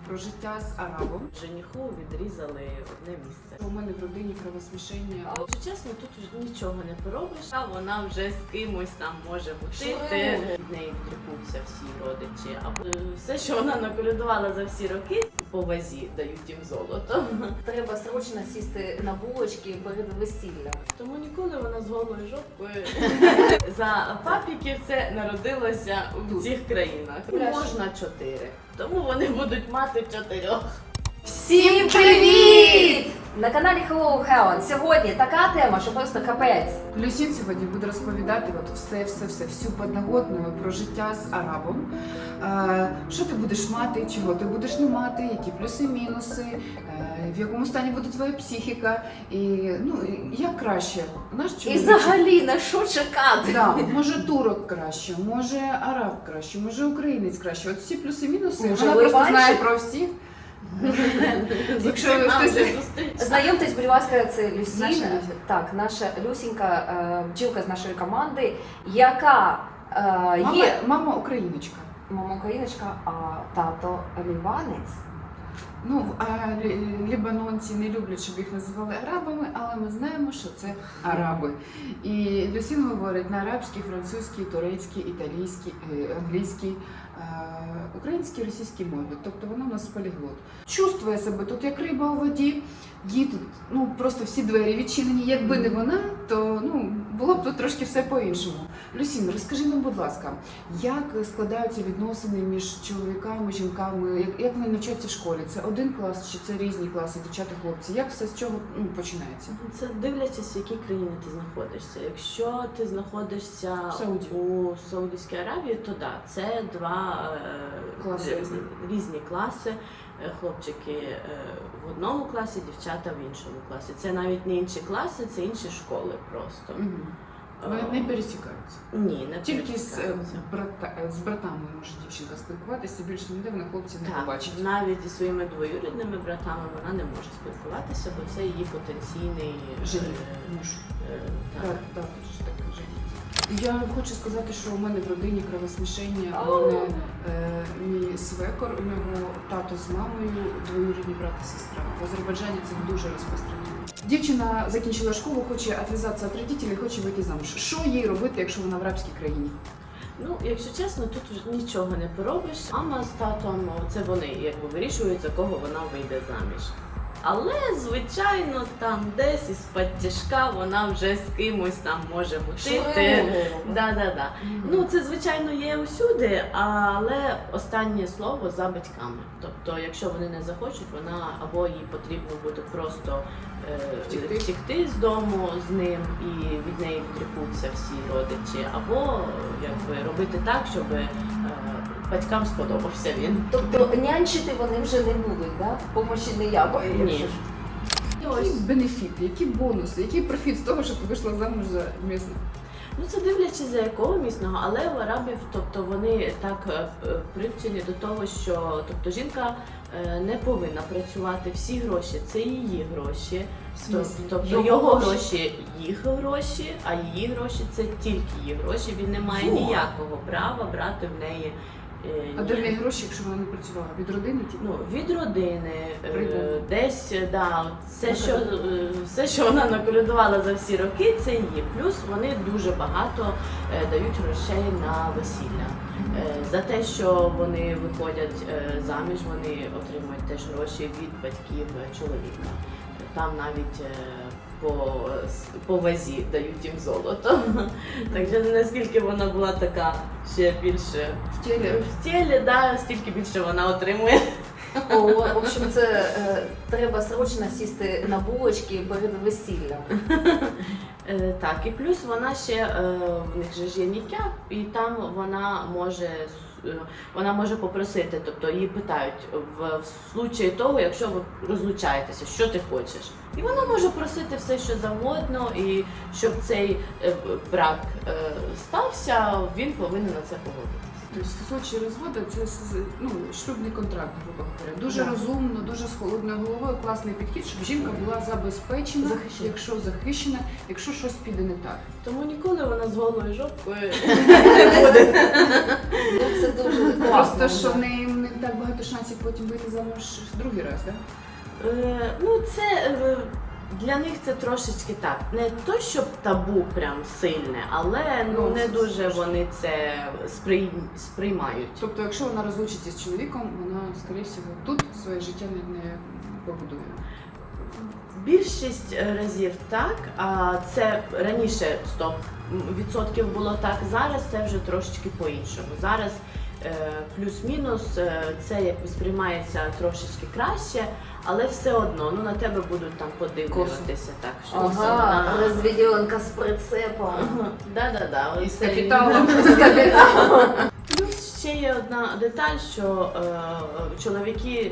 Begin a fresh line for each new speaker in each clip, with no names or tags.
про життя з арабом.
Жениху відрізали одне місце.
У мене в родині кровосмішення.
Якщо чесно, тут вже нічого не поробиш, а вона вже з кимось там може мутити. Від неї відрікуться всі родичі. А все, що вона наколядувала за всі роки, по вазі дають їм золото.
Треба срочно сісти на булочки перед весіллям.
Тому ніколи вона з голою жопкою за папіків це народилося в цих країнах. Можна 4, тому вони будуть мати 4.
Всім привіт! На каналі Hello Helen. Сьогодні така тема, що просто капець.
Люсін сьогодні буде розповідати всю подноготну про життя з арабом. Що ти будеш мати, чого ти будеш не мати, які плюси-мінуси, в якому стані буде твоя психіка, і як краще. Наш
І
чоловік.
взагалі на що чекати?
Да, може турок краще, може араб краще, може українець краще. От всі плюси-мінуси,
Може,
вона просто
ливанчик?
знає про всіх. Якщо хтось...
Знайомтесь, будь ласка, це Люсін.
Наша Люся.
Так, наша Люсінька, бджілка з нашої команди, яка є
Мама україночка.
мама україночка, а тато ліванець.
Лібанонці не люблять, щоб їх називали арабами, але ми знаємо, що це араби. І Люсін говорить на арабській, французькій, турецькій, італійській, англійській, українській, російській мові. Тобто вона у нас поліглот. Чувствує себе тут як риба у воді, їй тут просто всі двері відчинені. Якби не вона, то було б тут трошки все по-іншому. Люсін, розкажи нам, будь ласка, як складаються відносини між чоловіками, жінками, як вони навчаються в школі? Це один клас чи це різні класи, дівчата, хлопці? Як все з чого починається?
Це дивлячись, в якій країні ти знаходишся. Якщо ти знаходишся у Саудівській Аравії, то так, це два
Класи
різні класи. Хлопчики в одному класі, дівчата в іншому класі. Це навіть не інші класи, це інші школи просто.
Вони не пересікаються?
Ні, не
Тільки з
пересікаються.
братами може дівчинка спілкуватися, більше ніде вона хлопців не побачить.
Навіть зі своїми двоюрідними братами вона не може спілкуватися, бо це її потенційний
Жених. Так, щось таке жених. Я хочу сказати, що у мене в родині кровосмішення. У мене мій свекор, у нього тато з мамою, двоюрідні брат і сестра. В Азербайджані це дуже розпространено. Дівчина закінчила школу, хоче відв'язатися від батьків, хоче вийти замуж. Що їй робити, якщо вона в арабській країні?
Якщо чесно, тут вже нічого не поробиш. Мама з татом, це вони вирішують, за кого вона вийде заміж. Але, звичайно, там десь із-під тяжка вона вже з кимось там може мутити. Да. Це, звичайно, є усюди, але останнє слово за батьками. Тобто, якщо вони не захочуть, вона або їй потрібно буде просто втекти з дому з ним і від неї відрікуться всі родичі, або робити так, щоб батькам сподобався він.
Тобто нянчити вони вже не будуть, да? Помощі ніякої.
Ні.
Які бенефіти, які бонуси, який профіт з того, що ти вийшла замуж за місцевого?
Це дивлячись за якого місного, але у арабів, вони так привчені до того, що жінка не повинна працювати, всі гроші це її гроші, тобто його гроші їх гроші, а її гроші це тільки її гроші, він не має ніякого права брати в неї.
А де в неї гроші, якщо вона не працювала? Від родини?
Від родини, десь, все, що вона наколядувала за всі роки, це її. Плюс вони дуже багато дають грошей на весілля. За те, що вони виходять заміж, вони отримують теж гроші від батьків чоловіка. Там навіть по вазі дають їм золото. Так що наскільки вона була така ще більше
В тілі,
стільки більше вона отримує.
В общем, це треба срочно сісти на булочки перед весіллям.
Так, і плюс вона ще, в них же ж є ніках, і там вона може попросити, тобто її питають в случаї того, якщо ви розлучаєтеся, що ти хочеш. І вона може просити все, що завгодно, і щоб цей брак стався, він повинен на це погодитися.
Тобто в случаї розводу це шлюбний контракт, грубо говоря. Дуже розумно, дуже з холодною головою, класний підхід, щоб жінка була забезпечена, захищена, якщо щось піде не так.
Тому ніколи вона з голою жопкою не буде.
Це дуже класно.
Просто, що в неї не так багато шансів потім вийти замуж другий раз, так?
Ну, це для них це трошечки так. Не то, щоб табу прям сильне, але ну, не дуже вони це сприймають.
Тобто, якщо вона розлучиться з чоловіком, вона, скоріше всього, тут своє життя не побудує.
Більшість разів так, а це раніше 100% було так, зараз це вже трошечки по-іншому. Зараз плюс-мінус це як сприймається трошечки краще, але все одно ну, на тебе будуть там подивлюватися. Так, що
Ага, розведенка з прицепом.
Да-да-да.
І з капіталом.
Плюс ще є одна деталь, що чоловіки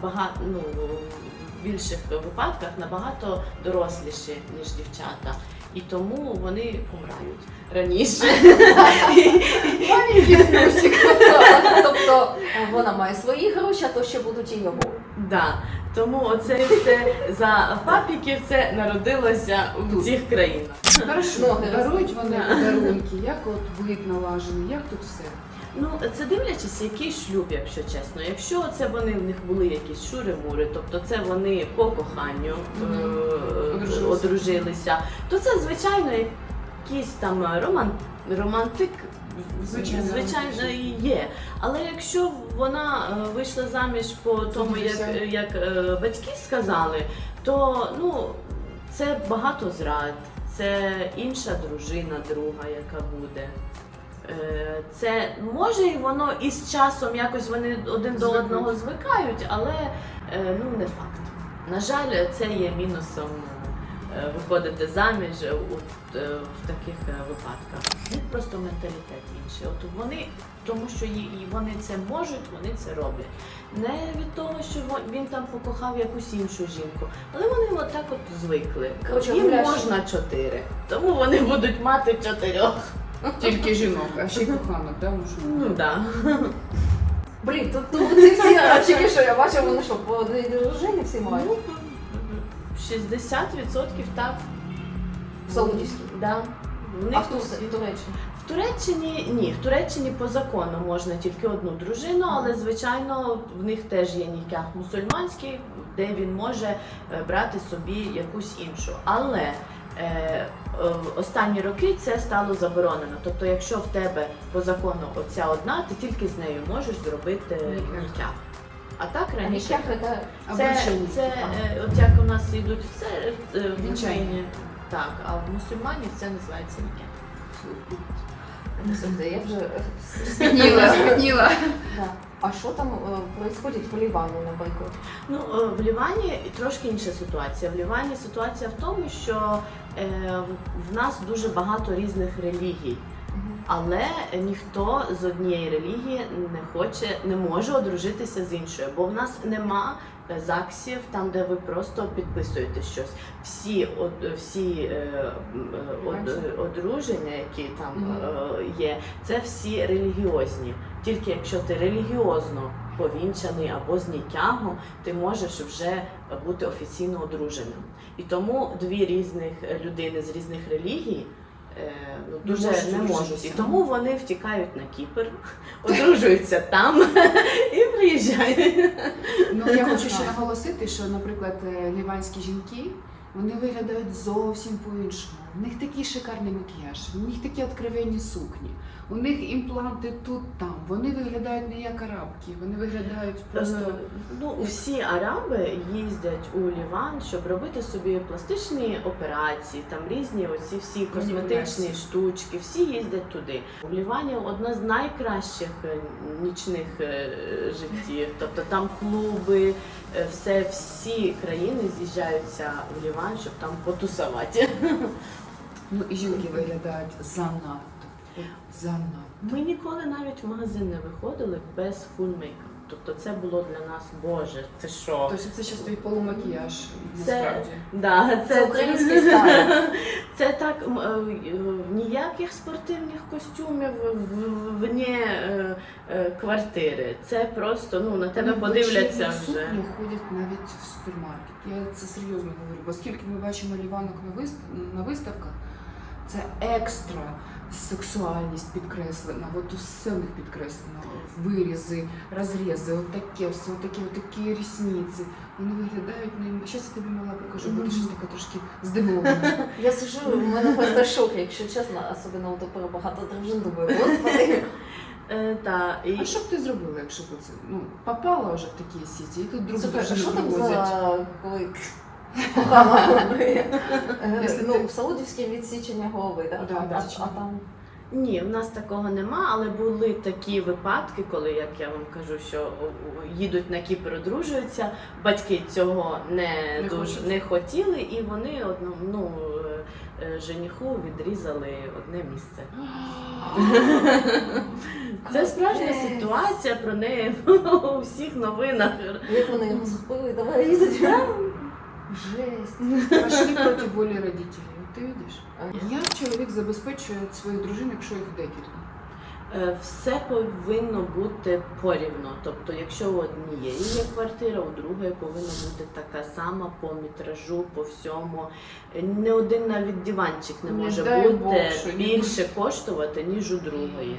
в більших випадках набагато доросліші, ніж дівчата. І тому вони помирають раніше.
Маленький плюсик.
Тобто вона має свої гроші, а то ще будуть і його.
Да. Тому оце все за папіків це народилося в цих країнах.
Хорошо, дарують вони подарунки, як от вид налажений, як тут все?
Ну, це дивлячись, який шлюб, якщо чесно. Якщо це вони в них були якісь шури-мури, тобто це вони по коханню одружилися, то це звичайно якийсь там романтик. Звичайно, і є. Але якщо вона вийшла заміж по тому, як батьки сказали, то ну, це багато зрад, це інша дружина, друга, яка буде. Це може і воно із часом якось вони один до одного звикають, але ну, не факт. На жаль, це є мінусом виходити заміж в таких випадках. У них просто менталітет інший. От вони, тому що вони це можуть, вони це роблять. Не від того, що він там покохав якусь іншу жінку, але вони отак от звикли.
Коротше,
Їм можна 4, тому вони будуть мати 4.
Тільки жінок, а ще й коханок, так?
Ну так.
Блін, тут ці всі речі, що я бачу, вони що, по одній дружині всі мають?
60% так.
В Саудівській?
Да.
А в Туреччині?
В Туреччині ні, в Туреччині по закону можна тільки одну дружину, але звичайно в них теж є ніках мусульманський, де він може брати собі якусь іншу. Але останні роки це стало заборонено. Тобто, якщо в тебе по закону оця одна, ти тільки з нею можеш зробити ніках. А так раніше це от як у нас йдуть в Україні, так, а в мусульманів це називається ніках.
Я вже
Спітніла.
А що там відбувається в Лівані, наприклад?
Ну, в Лівані трошки інша ситуація. В Лівані ситуація в тому, що в нас дуже багато різних релігій. Але ніхто з однієї релігії не може одружитися з іншою, бо в нас нема ЗАГСів, там де ви просто підписуєте щось. Всі одруження, які там є, це всі релігіозні. Тільки якщо ти релігіозно повінчаний або з нікахом, ти можеш вже бути офіційно одруженим. І тому дві різних людини з різних релігій дуже не можуть. І тому вони втікають на Кіпр, одружуються там і приїжджають.
Ну, я хочу ще наголосити, що, наприклад, ліванські жінки, вони виглядають зовсім по-іншому. У них такий шикарний макіяж, у них такі откровенні сукні, у них імпланти тут-там. Вони виглядають не як арабки, вони виглядають просто...
Ну, всі араби їздять у Ліван, щоб робити собі пластичні операції, там різні оці всі косметичні штучки, всі їздять туди. У Лівані одна з найкращих нічних життів, тобто там клуби, всі країни з'їжджаються в Ліван, щоб там потусувати.
Ну і жінки виглядають занадто.
Ми ніколи навіть в магазин не виходили без фулл мейкап. Тобто це було для нас, Боже, це що?
Тобто це ще стоїть полумакіяж, насправді.
Це український стайл.
Це так, ніяких спортивних костюмів вне квартири. Це просто, на тебе подивляться вже.
Сукні ходять навіть в супермаркет. Я це серйозно говорю, бо скільки ми бачимо ліванок на виставках, це екстра сексуальність підкреслена, от усе в них підкреслено, вирізи, розрізи, отаке все, отакі рісниці. Вони виглядають, зараз я тобі мала покажу, бо ти щось така трошки здивована.
Я сижу, у мене просто шок, якщо чесно, особливо тепер багато дружин, думаю, господи.
А що б ти зробила, якщо б це, попала вже в такі сіті, і тут другу
Слухай, а
дружину
що там
привозять?
за коли кохана?
Якщо
Ну,
ти-
в Саудівській відсічення голови, так?
Да,
А
відсічення.
там?
Ні, в нас такого нема, але були такі випадки, коли, як я вам кажу, що їдуть на Кіпр, одружуються, батьки цього
Не
дуже
хочуть.
не хотіли, і вони жениху відрізали одне місце. Це справжня
Капець.
ситуація, про неї у всіх новинах.
Як вони його схопили, давай різати. Жесть.
Пошли проти волі родителей, от ти видиш? Як чоловік забезпечує свою дружину, якщо їх декілька?
Все повинно бути порівно. Тобто, якщо у однієї є квартира, у другої повинна бути така сама по метражу, по всьому. Не один навіть диванчик не
Не
може
дай
бути
Бог, що ні.
більше коштувати, ніж у другої.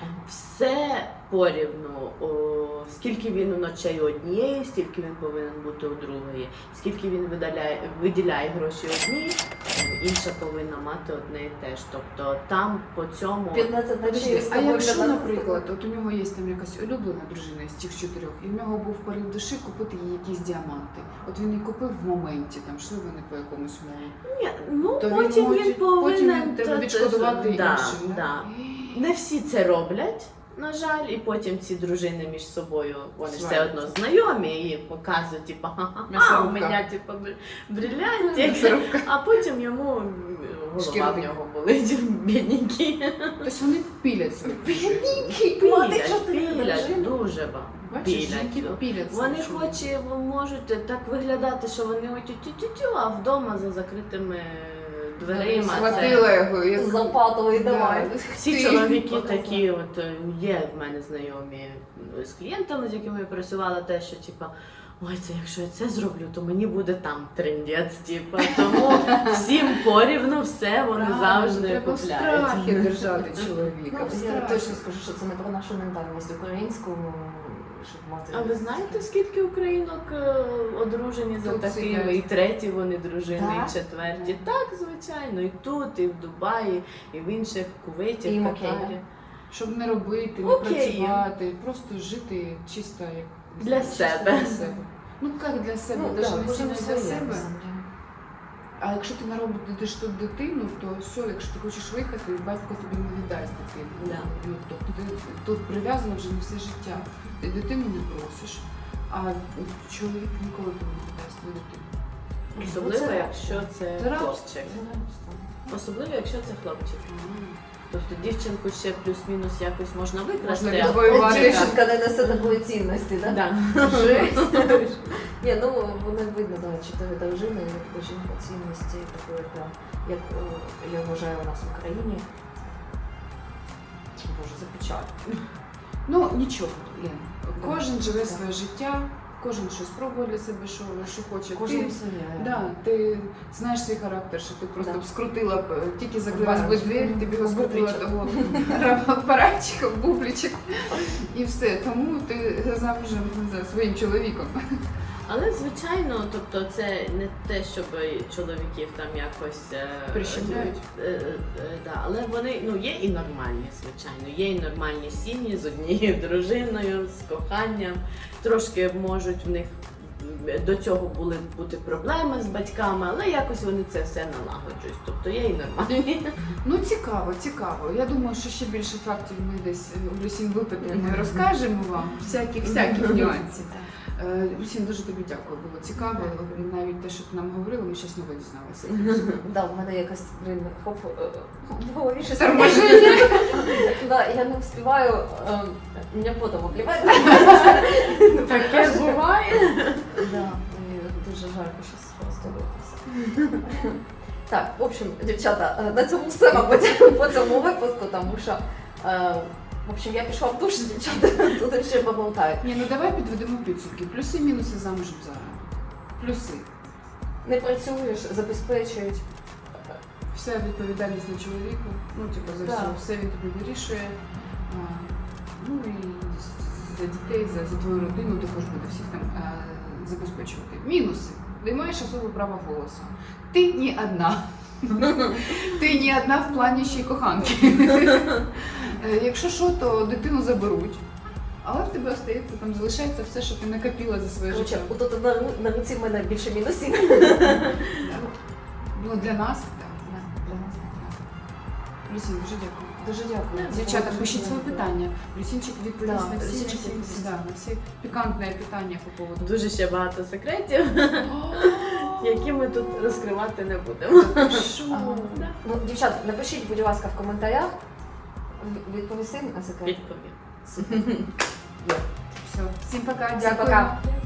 Все порівну. Скільки він у ночей у однієї, стільки він повинен бути у другої. Скільки він виділяє гроші одній, інша повинна мати одне і те ж. Тобто там по цьому
15 ночей з
А
тобою,
якщо,
15
наприклад, от у нього є там якась улюблена дружина з тих 4, і в нього був порив душі купити їй якісь діаманти. От він їх купив в моменті, там йшли вони по якомусь мові.
Ні, ну
То
потім
може-
він повинен
потім він відшкодувати
да,
іншим.
да. Не всі це роблять, на жаль, і потім ці дружини між собою вони ж все
Сваряться.
одно знайомі і показують, типу, ха-ха, у
М'ясорубка.
мене типу, бриллянтик,
М'ясорубка.
а потім йому голова в
Шкірник.
нього болить, бідненький.
Тобто вони пілять свої дружини.
Мати 4
Пілять,
дружини.
дуже багато.
Бачиш,
Пілять.
жінки пілять
Вони
свої
можуть так виглядати, що вони тю-тю-тю, а вдома за закритими дверима. це-
Схватила його і
З лопатою і давай.
Всі
Ти.
чоловіки
Показав.
такі, от є в мене знайомі з клієнтами, з якими я працювала, те, що типа, ой, це якщо я це зроблю, то мені буде там трендець, типа. Тому всім порівну все вони завжди
треба в
купляють.
страхі держати чоловіка.
Ну,
в
я
страхі.
точно скажу, що це не про нашу ментальність українську, щоб мати.
А ви знаєте, скільки українок одружені за
Тут
такими,
сидять.
і треті вони дружини,
Так?
і четверті? Так, звичайно, і тут, і в Дубаї, і в інших Кувейті,
І
в
їм окей,
Катарі.
Щоб не робити, не
Окей.
працювати, просто жити чисто як
Для
чисто
себе.
для себе. Ну як для себе,
Ну,
навіть
да,
не
кожен
сильно
своє,
для себе.
на самом деле.
А якщо ти народиш тут дитину, то все, якщо ти хочеш виїхати, батько тобі не віддасть дитину.
Да.
Ну, тобто ти тут прив'язана вже на все життя. Ти дитину не просиш, а чоловік ніколи тобі не віддасть твою дитину.
Особливо,
це
якщо це
Це рабство.
хлопчик. Особливо, якщо це хлопчик. Тобто дівчинку ще плюс-мінус якось можна викрасти.
Можна
а
відвоювати.
хлопчика-
Дівчинка не несе такої цінності, так?
Да.
Жесть. Ні, ну вони видно, да, 4 дружини, як жінка цінності, такої, прям, як я вважаю у нас в Україні. Боже, це печаль.
Ну нічого, Лен. Кожен живе своє життя, кожен щось пробує для себе, що хоче.
Кожен
Ти-
своє.
Да, ти знаєш свій характер, що ти просто
Да.
б скрутила б, тільки закрилась би
Баранчик.
двері, ти б його скрутила
Бубличок.
того апаратчика, бубличок, і все. Тому ти замужем за своїм чоловіком.
Але звичайно, тобто це не те, щоб чоловіків там якось
Прищемляють.
Да, але вони є і нормальні, звичайно. Є і нормальні сім'ї з однією дружиною, з коханням. Трошки можуть в них до цього були бути проблеми з батьками, але якось вони це все налагоджують. Тобто є і нормальні.
Ну цікаво, цікаво. Я думаю, що ще більше фактів ми десь у Люсін випитаємо і розкажемо вам всяких нюансів. Люсін, дуже тобі дякую, було цікаво. Навіть те, що ти нам говорила, ми щось нове дізналися.
Да, в мене якось, хоп, в голові щось.
Торможення.
Да, я не встигаю, мене потом обливає.
Таке буває.
Да, мені дуже жарко щось розтолитися. Так, в общем, дівчата, на цьому все, мабуть, по цьому випуску, тому що, в общем, я пішла в душ, дівчата, тут ще поболтаю.
Ні, ну давай підведемо підсумки. Плюси, мінуси замужем зараз. Плюси.
Не працюєш, забезпечують.
вся відповідальність на чоловіку, ну, типу, за
Да.
все він тобі вирішує. Ну і за дітей, за твою родину також буде всіх там забезпечувати. Мінуси. Ти маєш особливе право голосу. Ти не одна. Ти не одна в плані ще й коханки. Якщо що, то дитину заберуть. Але в тебе остається, там залишається все, що ти накопила за своє
Коротше,
життя.
отут на руці в мене більше мінусів.
Ну, для нас, так. Для нас, так. Люсін, дуже дякую.
Дуже дякую.
Дівчата,
Було
пишіть
дуже
свої
дякую.
питання. Люсінчик відповість
Да,
на всі,
Люсінчик
на всі,
відповість.
да, на всі пікантні питання по поводу.
Дуже ще багато секретів, які ми тут розкривати не будемо.
Ага.
Да.
Ну, дівчат, напишіть, будь ласка, в коментарях. Відповісти на секрет.
Відповім.
Супер.
Все, всім пока.
Дякую.
Дякую.